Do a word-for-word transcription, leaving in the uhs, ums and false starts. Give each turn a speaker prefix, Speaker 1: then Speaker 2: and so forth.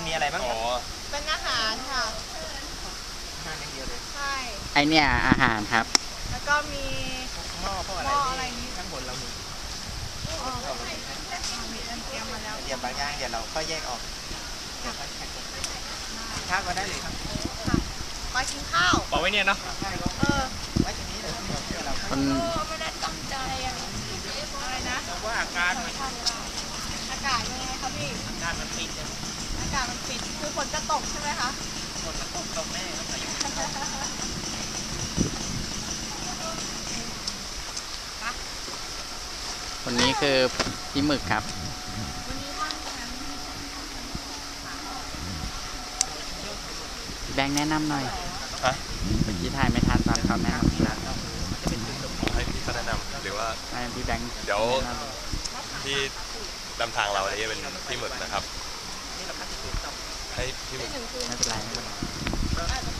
Speaker 1: มีอะไรบ้าง
Speaker 2: อ๋อ
Speaker 3: เป็นอาหารค่ะ
Speaker 1: อาหารอย่างเดียวเลย
Speaker 3: ใช่
Speaker 4: ไอเนี่ยอาหารครับ
Speaker 3: แล้วก็มี
Speaker 1: หม้อพวกอะไร
Speaker 3: หม้ออะไรนี้
Speaker 1: ที่ข้างบนเรามี
Speaker 3: เอ่อมีอันเตรียมมาแล้ว
Speaker 1: เดี๋ยวบางอย่างเดี๋ยวเราค่อยแยกออกเดี๋ยวค่อยแยกออกกินข้าวก็ได้เลยครับ
Speaker 3: ค่ะไปกินข้าว
Speaker 2: บอกไว้เนี่ยเนาะ
Speaker 3: เออ
Speaker 1: ไว้ตรงนี้เดี๋ยวเดี๋ยวเราค่อย
Speaker 4: คน
Speaker 3: ไม่ได้ตั้งใจอะอะไรนะ
Speaker 1: ว่าอาการมัน
Speaker 3: อากาศยังไงคะพี่
Speaker 1: อาการมันปิดเนี่ย
Speaker 3: อากาศมันปิด คือฝนจะตกใช่ไหมคะ
Speaker 1: ฝนมันตกตกแน่ครับพายุ
Speaker 4: คนนี้คือพี่หมึกครับ
Speaker 3: วันนี้ว่างแคมป์
Speaker 4: พี่แบงค์แนะนำหน่อย
Speaker 2: ฮะ
Speaker 4: เมื่อกี้ถ่ายไม่ทันตอนเขาแนะนำแล้ว
Speaker 2: ผมให้พี่เขาแนะนำหรือว่า
Speaker 4: ให้พี่แบงค์
Speaker 2: เดี๋ยว
Speaker 4: แนะนำ
Speaker 2: ที่นำทางเราอันนี้เป็นพี่หมึกนะครับ ให้พี่หมึก
Speaker 3: หนึ่งคืน
Speaker 4: ไม่เป็นไรไม่เป็นไร
Speaker 3: อาจจะ